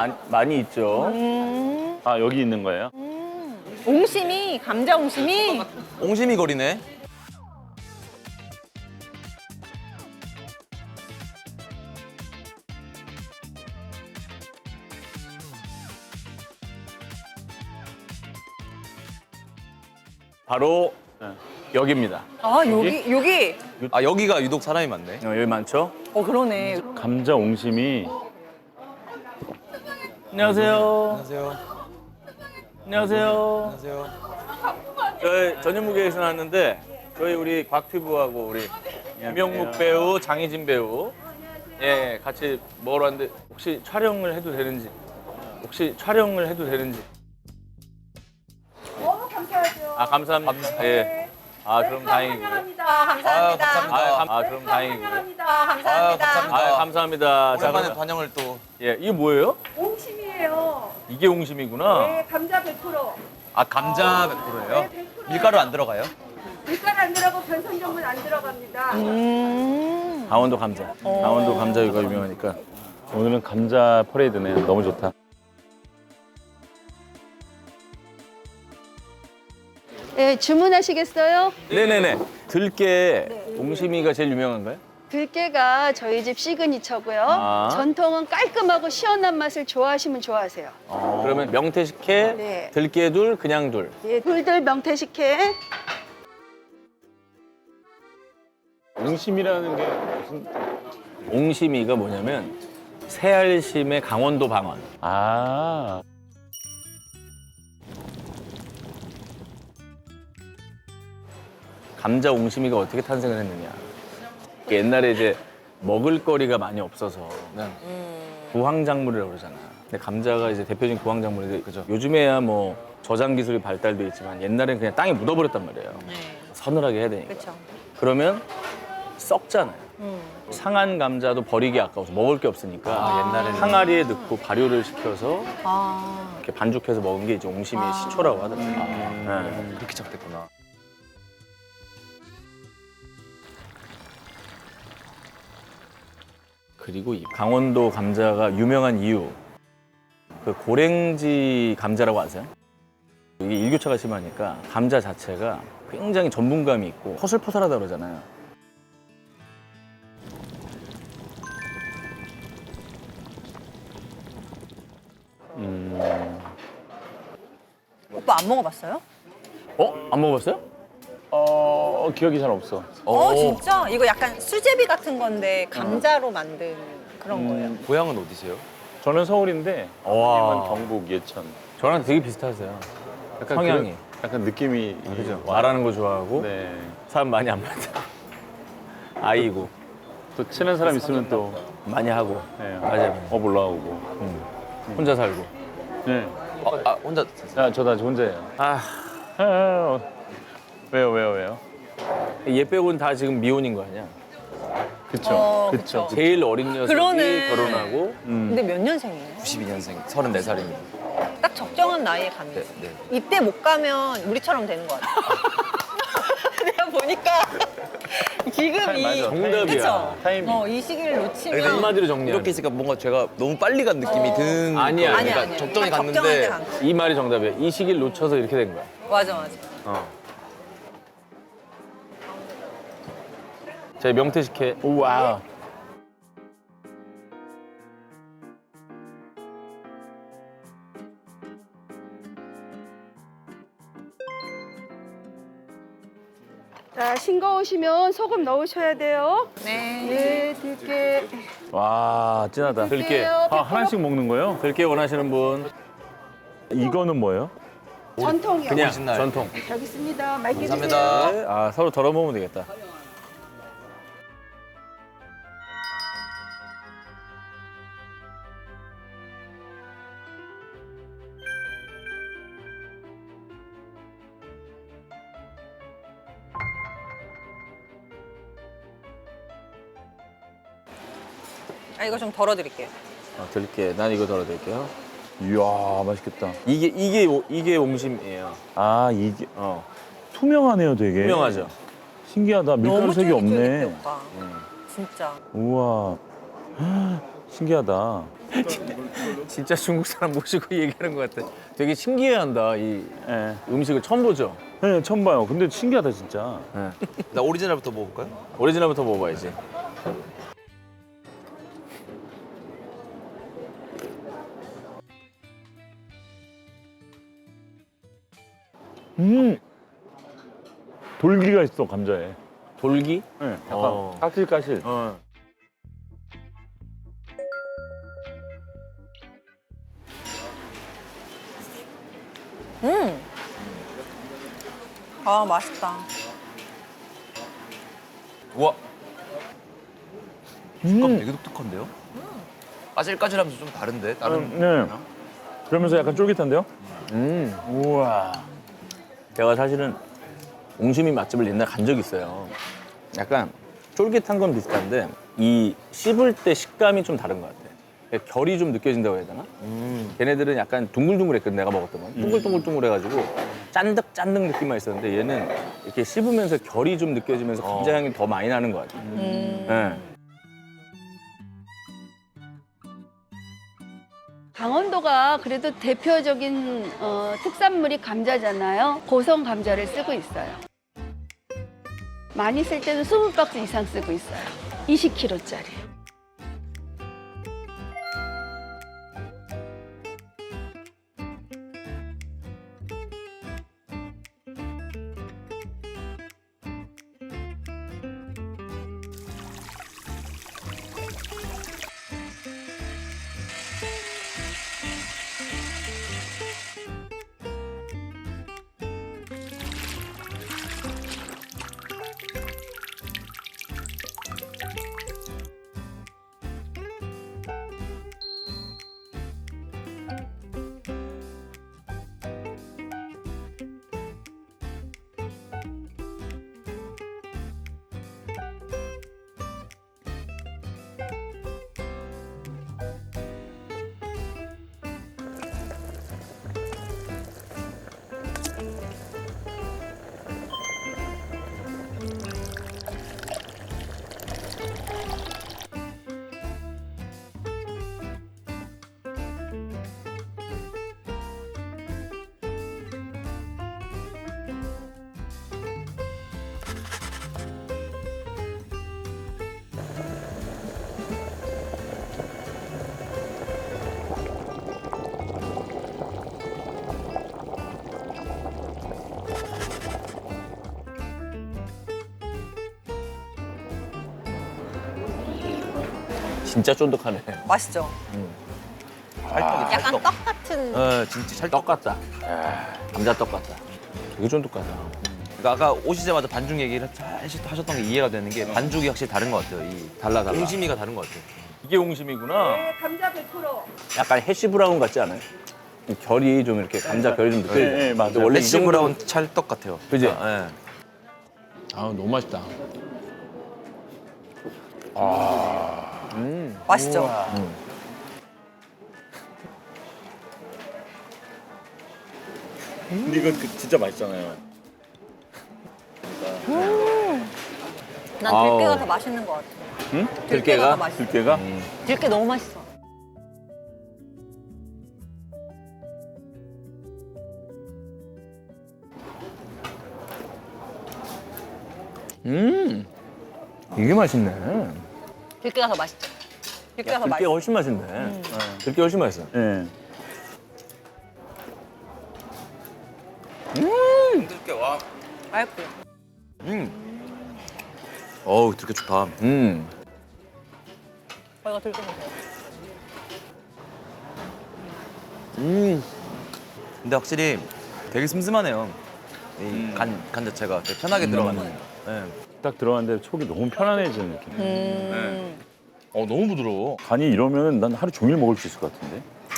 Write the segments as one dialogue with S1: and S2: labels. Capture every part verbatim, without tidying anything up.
S1: 많이, 많이 있죠.
S2: 음.
S3: 아, 여기 있는 거예요?
S2: 음. 옹심이, 감자 옹심이.
S4: 옹심이 거리네.
S1: 바로 여기입니다.
S2: 아, 여기, 여기.
S4: 아 여기가 유독 사람이 많네.
S1: 어, 여기 많죠?
S2: 어, 그러네.
S3: 감자 옹심이.
S1: 안녕하세요.
S4: 안녕하세요.
S1: 안녕하세요.
S4: 안녕하세요.
S1: 저희 전현무게에서 나왔는데 저희 우리 곽튜브하고 우리 이명묵 배우, 장희진 배우 예 같이 먹으러 왔는데 혹시 촬영을 해도 되는지 혹시 촬영을 해도 되는지
S5: 너무 감사하죠.
S1: 아 감사합니다. 예. 아 그럼 다행이고요.
S5: 환영합니다.
S4: 아
S5: 감사합니다.
S4: 감사합니다.
S1: 아, 감, 아 그럼 다행이고요.
S5: 환영합니다.
S4: 아
S5: 감사합니다.
S4: 감사합니다.
S1: 아 감사합니다. 자,
S4: 오랜만에
S1: 그러면-
S4: 반영을 또.
S1: 예 이게 뭐예요?
S5: 옹심이에요.
S1: 이게 옹심이구나.
S5: 네, 감자 백 퍼센트.
S4: 아 감자 백 퍼센트예요?
S5: 네, 백 퍼센트.
S4: 밀가루 안 들어가요?
S5: 밀가루 안 들어가고 변성종은 안 들어갑니다.
S2: 음.
S1: 강원도 감자. 강원도 감자유가 유명하니까.
S3: 오늘은 감자 퍼레이드네. 너무 좋다.
S6: 네, 주문하시겠어요?
S1: 네네네. 들깨 옹심이가 제일 유명한가요?
S6: 들깨가 저희 집 시그니처고요.
S1: 아.
S6: 전통은 깔끔하고 시원한 맛을 좋아하시면 좋아하세요.
S1: 그러면 명태식혜,
S6: 네.
S1: 들깨둘, 그냥 둘.
S6: 예, 돌들 명태식혜.
S3: 옹심이라는 게 무슨.
S1: 옹심이가 뭐냐면 새알심의 강원도 방언.
S3: 아.
S1: 감자 옹심이가 어떻게 탄생을 했느냐. 옛날에 이제 먹을거리가 많이 없어서 구황작물이라고 그러잖아. 근데 감자가 이제 대표적인 구황작물인데 그죠. 요즘에야 뭐 저장 기술이 발달돼 있지만 옛날엔 그냥 땅에 묻어버렸단 말이에요.
S2: 네.
S1: 서늘하게 해야 되니까.
S2: 그쵸.
S1: 그러면 썩잖아요.
S2: 음.
S1: 상한 감자도 버리기 아까워서 먹을 게 없으니까
S4: 아, 옛날에는.
S1: 항아리에 넣고 발효를 시켜서
S2: 아.
S1: 이렇게 반죽해서 먹은 게 이제 옹심이의 시초라고 하더라고요.
S4: 아,
S1: 네.
S4: 그렇게 시작됐구나.
S1: 그리고 이 강원도 감자가 유명한 이유, 그 고랭지 감자라고 아세요? 이게 일교차가 심하니까 감자 자체가 굉장히 전분감이 있고 퍼슬퍼슬하다 그러잖아요.
S2: 오빠 안 먹어봤어요?
S1: 어? 안 먹어봤어요?
S3: 어, 기억이 잘 없어.
S2: 어, 진짜? 이거 약간 수제비 같은 건데 감자로 만든 그런 거예요.
S4: 고향은 어디세요?
S3: 저는 서울인데,
S1: 와.
S3: 님은 경북 예천.
S1: 저랑 되게 비슷하세요.
S3: 약간
S1: 성향이.
S3: 그, 약간 느낌이.
S1: 그죠?
S3: 와.
S1: 말하는 거 좋아하고
S3: 네.
S1: 사람 많이 안 만나. 아이고
S3: 또 친한 사람 있으면 또.
S1: 많이 하고
S3: 네.
S1: 맞아요.
S3: 업 올라오고.
S1: 혼자 살고.
S3: 네.
S4: 어, 아 혼자.
S3: 아, 저 다 혼자예요.
S1: 아,
S3: 아, 어. 왜요, 왜요, 왜요?
S1: 얘 빼고는 다 지금 미혼인 거 아니야?
S3: 그쵸.
S2: 어,
S3: 그쵸.
S1: 제일 어린 녀석이
S2: 그러네.
S1: 결혼하고
S3: 음.
S2: 근데 몇 년생이에요?
S4: 구십이 년생, 서른네 살입니다.
S2: 딱 적정한 나이에 가면.
S4: 네, 네.
S2: 이때 못 가면 우리처럼 되는 거 같아. 내가 보니까 지금 이
S3: 맞아.
S1: 정답이야.
S2: 그쵸?
S3: 타이밍.
S2: 어, 이 시기를 놓치면
S1: 한마디로 정리하면
S4: 이렇게 있으니까 뭔가 제가 너무 빨리 간 느낌이 드는.
S1: 아니야,
S4: 거예요.
S2: 아니야,
S4: 그러니까
S2: 아니야.
S4: 적정히
S2: 딱 적정할
S4: 갔는데
S2: 때 간 거야.
S1: 이 말이 정답이야. 이 시기를 놓쳐서 이렇게 된 거야.
S2: 맞아, 맞아.
S1: 어. 제 명태식혜.
S3: 우와.
S6: 자, 싱거우시면 소금 넣으셔야 돼요.
S2: 네.
S6: 네, 들깨.
S1: 와, 진하다. 들깨.
S6: 들깨요.
S3: 아, 하나씩 먹는 거예요?
S1: 들깨 원하시는 분.
S3: 이거는 뭐예요?
S6: 전통이요.
S1: 그냥
S4: 오리지널.
S1: 전통.
S6: 여기 있습니다. 맛있게
S4: 감사합니다.
S6: 드세요.
S1: 아, 서로 덜어 먹으면 되겠다.
S2: 아, 이거 좀 덜어드릴게요.
S1: 어, 들깨. 난 이거 덜어 드릴게요.
S3: 이야, 맛있겠다.
S1: 이게 이게 오- 이게 옹심이에요.
S3: 아, 이게
S1: 어.
S3: 투명하네요, 되게.
S1: 유명하죠.
S3: 신기하다. 밀가루색이
S2: 쫄깃쫄깃해,
S3: 없네.
S2: 오빠. 진짜.
S3: 우와. 헉, 신기하다.
S1: 진짜 중국 사람 모시고 얘기하는 것 같아. 되게 신기해한다. 이
S3: 예.
S1: 음식을 처음 보죠.
S3: 네, 처음 봐요. 근데 신기하다 진짜.
S1: 네.
S4: 나 오리지널부터 먹어볼까요?
S1: 오리지널부터 먹어봐야지.
S3: 음. 돌기가 있어 감자에.
S1: 돌기?
S3: 네, 약간
S1: 어.
S3: 까실까실.
S1: 어.
S2: 음. 아 맛있다.
S4: 우와. 식감
S3: 음.
S4: 되게 독특한데요? 까질까질하면서 좀 다른데? 다른
S3: 음, 네. 그러면서 약간 쫄깃한데요?
S1: 음.
S3: 우와.
S1: 제가 사실은 옹심이 맛집을 옛날에 간 적이 있어요. 약간 쫄깃한 건 비슷한데 이 씹을 때 식감이 좀 다른 것 같아. 결이 좀 느껴진다고 해야 되나? 걔네들은 약간 둥글둥글했거든, 내가 먹었던 건. 둥글둥글둥글해가지고 짠득짠득 느낌만 있었는데 얘는 이렇게 씹으면서 결이 좀 느껴지면서 감자 향이 더 많이 나는 것 같아. 네.
S6: 강원도가 그래도 대표적인 어, 특산물이 감자잖아요. 고성 감자를 쓰고 있어요. 많이 쓸 때는 이십 박스 이상 쓰고 있어요. 이십 킬로그램짜리.
S1: 진짜 쫀득하네.
S2: 맛있죠.
S4: 찰떡이
S2: 약간
S4: 찰떡.
S2: 떡 같은.
S4: 네, 진짜 찰떡.
S1: 떡 같다. 감자떡 같다. 되게 쫀득하다.
S4: 그러니까 아까 오시자마자 반죽 얘기를 하셨- 하셨던 게 이해가 되는 게 반죽이 확실히 다른 것 같아요. 이
S1: 달라, 달라.
S4: 옹심이가 다른 것 같아요.
S1: 이게 옹심이구나.
S5: 네, 감자 백 퍼센트.
S1: 약간 해시 브라운 같지 않아요? 이 결이 좀 이렇게 감자 결이 좀 느껴지죠.
S3: 네, 네, 맞아요.
S1: 근데 원래 이
S4: 레시
S1: 정도
S4: 브라운 찰떡 같아요.
S1: 그지?
S4: 네.
S1: 아 너무 맛있다.
S2: 맛있죠.
S3: 근데 이건 그 진짜 맛있잖아요.
S2: 난
S1: 아우.
S2: 들깨가 더 맛있는 것 같아.
S3: 응?
S2: 들깨가 더 맛있어.
S3: 들깨가?
S2: 들깨 너무 맛있어.
S1: 음 이게 맛있네.
S2: 들깨가 더 맛있죠. 들깨가 더
S1: 들깨가
S2: 맛있어.
S1: 훨씬 맛있네. 네. 들깨 훨씬 맛있어.
S3: 예.
S4: 들깨 와.
S2: 맛있고.
S4: 음. 어우, 들깨 좋다.
S1: 음.
S2: 어, 이거 들깨 보세요.
S4: 음. 근데 확실히 되게 슴슴하네요. 이 간 간 자체가 되게 편하게 들어가는. 네.
S3: 딱 들어갔는데 속이 너무 편안해지는 느낌.
S2: 음.
S1: 어 너무 부드러워.
S3: 간이 이러면 난 하루 종일 먹을 수 있을 것 같은데.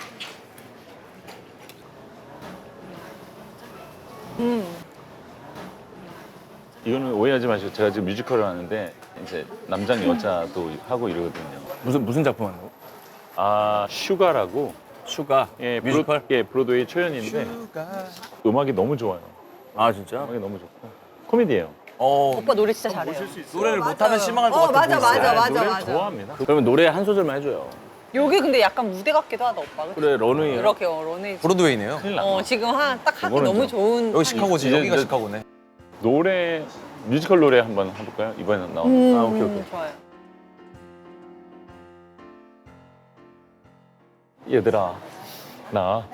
S2: 음.
S3: 이거는 오해하지 마시고 제가 지금 뮤지컬을 하는데 이제 남자는 여자도 하고 이러거든요.
S1: 무슨 무슨 작품 하는 거?
S3: 아 슈가라고
S1: 슈가.
S3: 예
S1: 뮤지컬?
S3: 브로, 예 브로드웨이 초연인데 음악이 너무 좋아요.
S1: 아 진짜?
S3: 음악이 너무 좋고 코미디예요.
S4: 어,
S2: 오빠 노래 진짜 잘해요.
S4: 노래를 못하면 실망할 것
S2: 어,
S4: 같아.
S2: 맞아, 맞아, 맞아,
S3: 노래를
S2: 맞아.
S3: 좋아합니다.
S1: 그러면 노래 한 소절만 해줘요.
S2: 여기 근데 약간 무대 같기도 하다 오빠. 그치?
S1: 그래 런웨이야.
S2: 이렇게 어, 런웨이.
S4: 브로드웨이네요.
S3: 큰일 나.
S2: 어 지금 한 딱 하기
S3: 이거는
S2: 너무
S3: 좀-
S2: 좋은.
S4: 여기 시카고지.
S3: 이제
S4: 여기가
S3: 이제-
S4: 시카고네.
S3: 노래 뮤지컬 노래 한번 해볼까요? 이번에 나온.
S2: 음,
S1: 아, 오케이, 오케이.
S2: 좋아요.
S3: 얘들아 나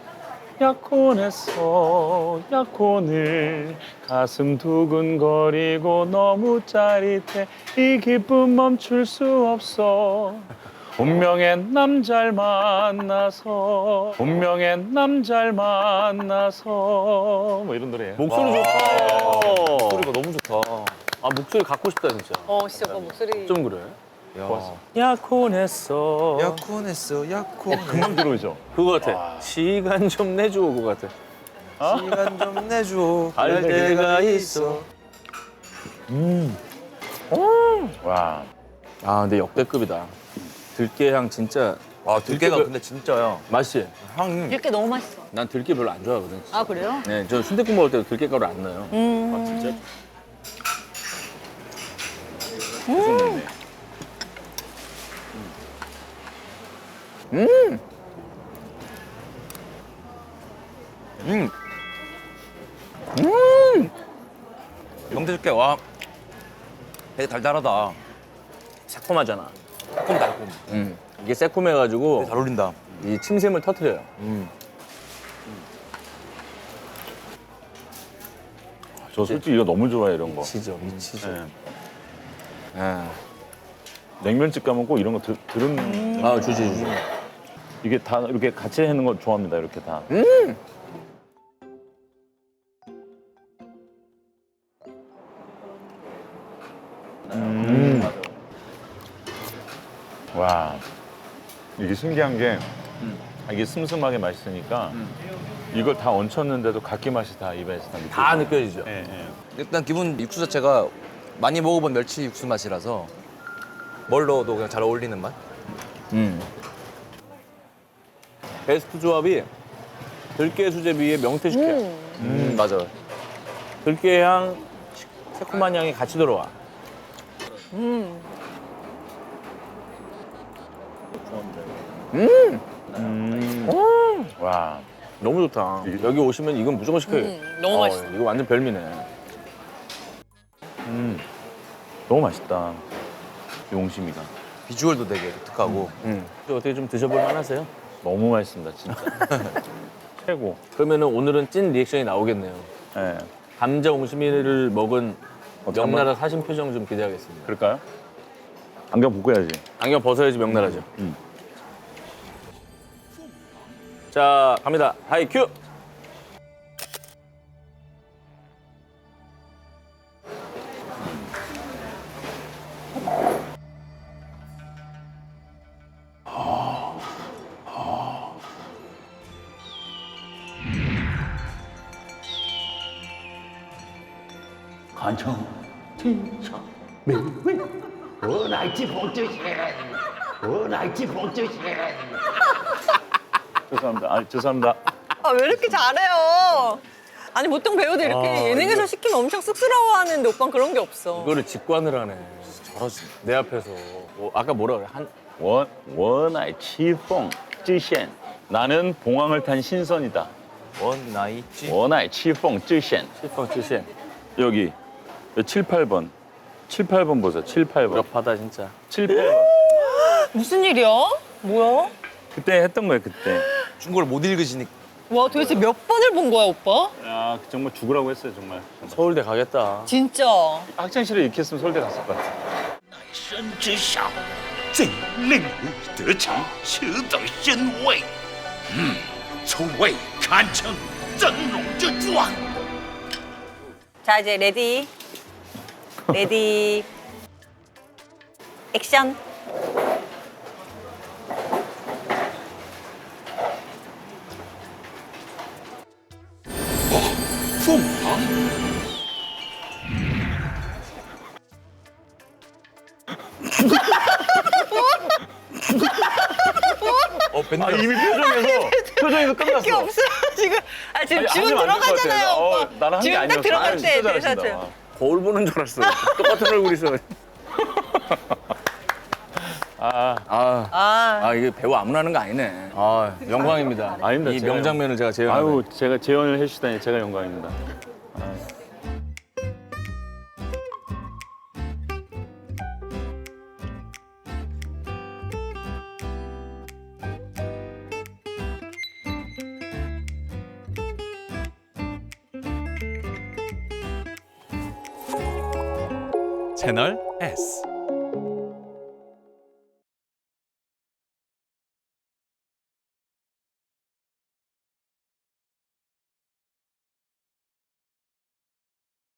S3: 약혼했어 약혼을 가슴 두근거리고 너무 짜릿해 이 기쁨 멈출 수 없어 운명의 남자를 만나서 운명의 남자를 만나서 뭐 이런 노래예요.
S1: 목소리 좋다.
S4: 소리가 너무 좋다.
S1: 아 목소리 갖고 싶다 진짜.
S2: 어 진짜 오빠 목소리.
S1: 좀 그래.
S4: 야.
S1: 약혼했어.
S4: 약혼했어. 약혼.
S3: 금방 들어오죠.
S1: 그거 같아. 시간 좀 내줘 그거 같아.
S4: 시간 좀 내줘.
S1: 알 때가 있어.
S3: 와
S1: 아 근데 역대급이다. 들깨 향 진짜
S4: 와 들깨가
S1: 들깨가-
S4: 근데 진짜야.
S1: 맛있지?
S4: 향.
S2: 이렇게 너무 맛있어.
S1: 난 들깨 별로 안 좋아하거든.
S2: 아 그래요?
S1: 네, 저 순댓국 먹을 때도 들깨가루 안 넣어요.
S2: 음.
S1: 아 진짜?
S4: 음. 음. 명태 들깨 와. 되게 달달하다.
S1: 새콤하잖아.
S4: 달콤 달콤.
S1: 음. 이게 새콤해가지고
S4: 되게 잘 어울린다.
S1: 이 침샘을 터트려요.
S4: 음.
S3: 저 솔직히 이거 너무 좋아해 이런 거.
S1: 미치죠, 미치죠.
S3: 네.
S1: 아,
S3: 냉면집 가면 꼭 이런 거 들, 들은
S1: 아 주지 주지.
S3: 이게 다 이렇게 같이 해는 거 좋아합니다. 이렇게 다. 음. 와 이게 신기한 게 이게 슴슴하게 맛있으니까 이걸 다 얹혔는데도 각기 맛이 다 입에서 다 느껴져요.
S1: 다 느껴지죠.
S3: 예, 예.
S4: 일단 기본 육수 자체가 많이 먹어본 멸치 육수 맛이라서 뭘 넣어도 그냥 잘 어울리는 맛?
S1: 음. 베스트 조합이 들깨 수제비에 명태 식혜.
S4: 음, 맞아.
S1: 들깨 향, 시- 새콤한 향이 같이 들어와.
S2: 음.
S3: 음. 와
S1: 너무 좋다. 여기 오시면 이건 무조건 시켜요.
S2: 음, 너무 맛있어.
S1: 이거 완전 별미네.
S3: 음. 너무 맛있다. 용심이가
S4: 비주얼도 되게 독특하고.
S1: 음. 어떻게 좀 드셔볼 만하세요?
S3: 너무 맛있습니다 진짜. 최고.
S1: 그러면은 오늘은 찐 리액션이 나오겠네요.
S3: 예.
S1: 감자 옹심이를 먹은
S3: 어떻게
S1: 명나라 사신 표정 좀 기대하겠습니다.
S3: 그럴까요? 안경 벗고 해야지.
S1: 안경 벗어야지 명나라죠.
S3: 음.
S1: 자, 갑니다. 하이 큐.
S3: 죄송합니다. 아, 죄송합니다.
S2: 아 왜 이렇게 잘해요? 아니 보통 배우들 이렇게
S1: 아,
S2: 예능에서 시키면 엄청 쑥스러워하는데 오빠는 그런 게 없어.
S1: 이거를 직관을 하네. 잘하지. 내 앞에서. 뭐, 아까 뭐라 그래? 한
S3: 원, 원아이 치퐁 쯔셴. 나는 봉황을 탄 신선이다.
S4: 원 나이 찌.
S3: 원아이 치퐁 쯔셴.
S1: 실펑 칠십.
S3: 여기 칠, 팔 번. 칠, 팔 번 보세요. 칠, 팔 번.
S1: 무력하다 진짜.
S3: 칠, 팔 번.
S2: 무슨 일이야? 뭐야?
S3: 그때 했던 거예요, 그때.
S4: 중국어를 못 읽으시니까.
S2: 와 도대체 몇 번을 본 거야 오빠?
S3: 야, 정말 죽으라고 했어요, 정말.
S1: 서울대 가겠다.
S2: 진짜.
S3: 학창시절에 이렇게 했으면 서울대 갔을 것 같아.
S7: 身之上，怎令你得偿此等身位？嗯，从未堪称真龙之状。
S2: 자 이제 레디. 레디. 액션. 어,
S7: 凤凰，
S4: 어, 벤
S3: 아, 이미 표정에서, 표정에서
S2: 게
S3: 끝났어.
S2: 없어 지금. 아 지금
S3: 아니,
S2: 지금
S3: 하시면 안될것
S2: 들어가잖아요
S3: 같아.
S2: 오빠.
S3: 어, 나는 한게
S2: 지금 딱
S3: 아니었어.
S2: 들어갈
S3: 아유,
S2: 때
S3: 진짜
S2: 대사죠.
S3: 잘하신다.
S1: 거울 보는 줄 알았어. 똑같은 얼굴 있어.
S3: 아,
S1: 아,
S2: 아,
S1: 아 이게 배우 아무나 하는 거 아니네. 아 영광입니다.
S3: 아닙니다.
S1: 이
S3: 제가
S1: 명장면을 제가 재현.
S3: 아유, 제가 재현을 해주시다니 제가 영광입니다.
S8: 채널 S